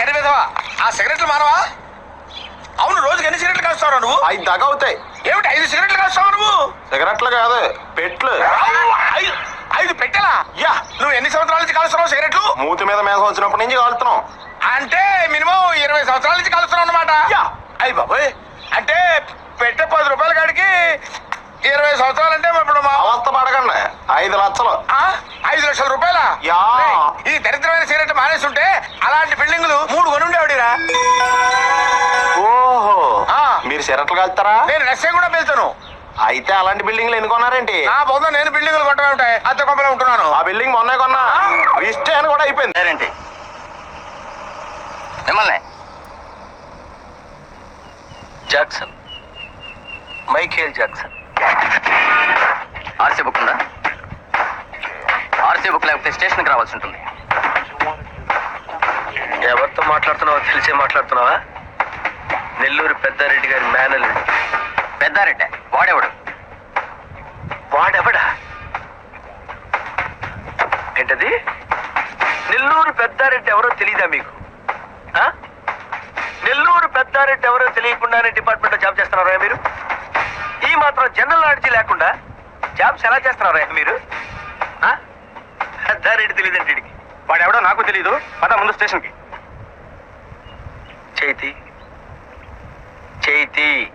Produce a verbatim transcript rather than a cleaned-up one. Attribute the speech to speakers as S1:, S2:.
S1: కరి విధవా ఆ సిగరెట్లు మానవా? అవును, రోజుకి ఎన్ని సిగరెట్లు కాస్తావు నువ్వు?
S2: ఐదు దాకా అవుతాయి.
S1: ఏమిటి ఐదు సిగరెట్లు కాస్తావు నువ్వు?
S2: సిగరెట్లు కాదు, పెట్లు.
S1: ఐదు ఐదు పెట్టెలా?
S2: యా.
S1: నువ్వు ఎన్ని సంవత్సరాల నుంచి కాలుస్తున్నావు సిగరెట్లు?
S2: మూతి మీద మేసం వచ్చినప్పటి నుంచి కాలుతున్నాం.
S1: అంటే మినిమం ఇరవై సంవత్సరాల నుంచి కాలుస్తున్నావు అన్నమాట.
S2: యా.
S1: అయ్యి బాబోయ్, అంటే పెట్టె పది రూపాయల కాడికి ఇరవై సంవత్సరాలు అంటే ఇప్పుడు మా
S2: అవస్థ పడకండి, ఐదు లక్షలు.
S1: ఆ? ఐదు లక్షల రూపాయల?
S2: యా.
S1: ఈ దరిద్రమైన సిగరెట్ మానేస్తుంటే అలాంటి బిల్డింగులు మూడు కొనుండేవాడిరా.
S2: ఓహో,
S1: ఆ.
S2: మీరు సిగరెట్లు కాలుతారా?
S1: నేను రష్యా కూడా వెళ్తాను.
S2: అయితే అలాంటి బిల్డింగ్లు ఎన్ని కొన్నారేంటి?
S1: నా బొంద నేను బిల్డింగులు కొట్టమే ఉంటాయి, అద్దె కొంపలో ఉంటున్నాను.
S2: ఆ బిల్డింగ్ మొన్నే కొన్నా, రిజిస్ట్రేషన్ కూడా అయిపోయింది.
S3: ఏంటి మిమ్మల్ని Jackson, Michael Jackson. RC book ఉందా? ఆర్సీ బుక్ లేకపోతే స్టేషన్కి రావాల్సి ఉంటుంది. ఎవరితో మాట్లాడుతున్నావో తెలిసే మాట్లాడుతున్నావా? నెల్లూరు పెద్దారెడ్డి గారి మేనల్లుడు. పెద్దారెడ్డి వాడెవడు? వాడెవడా? ఏంటది? నెల్లూరు పెద్దారెడ్డి ఎవరో తెలీదా మీకు? నెల్లూరు పెద్దారెడ్డి ఎవరో తెలియకుండానే డిపార్ట్మెంట్లో జాబ్ చేస్తున్నారా మీరు? ఈ మాత్రం జనరల్ నాలెడ్జ్ లేకుండా జాబ్స్ ఎలా చేస్తున్నారా మీరు? పెద్దారెడ్డి తెలియదండి వీడికి.
S2: వాడెవడో నాకు తెలీదు, పద ముందు స్టేషన్కి.
S3: చైతి చైతి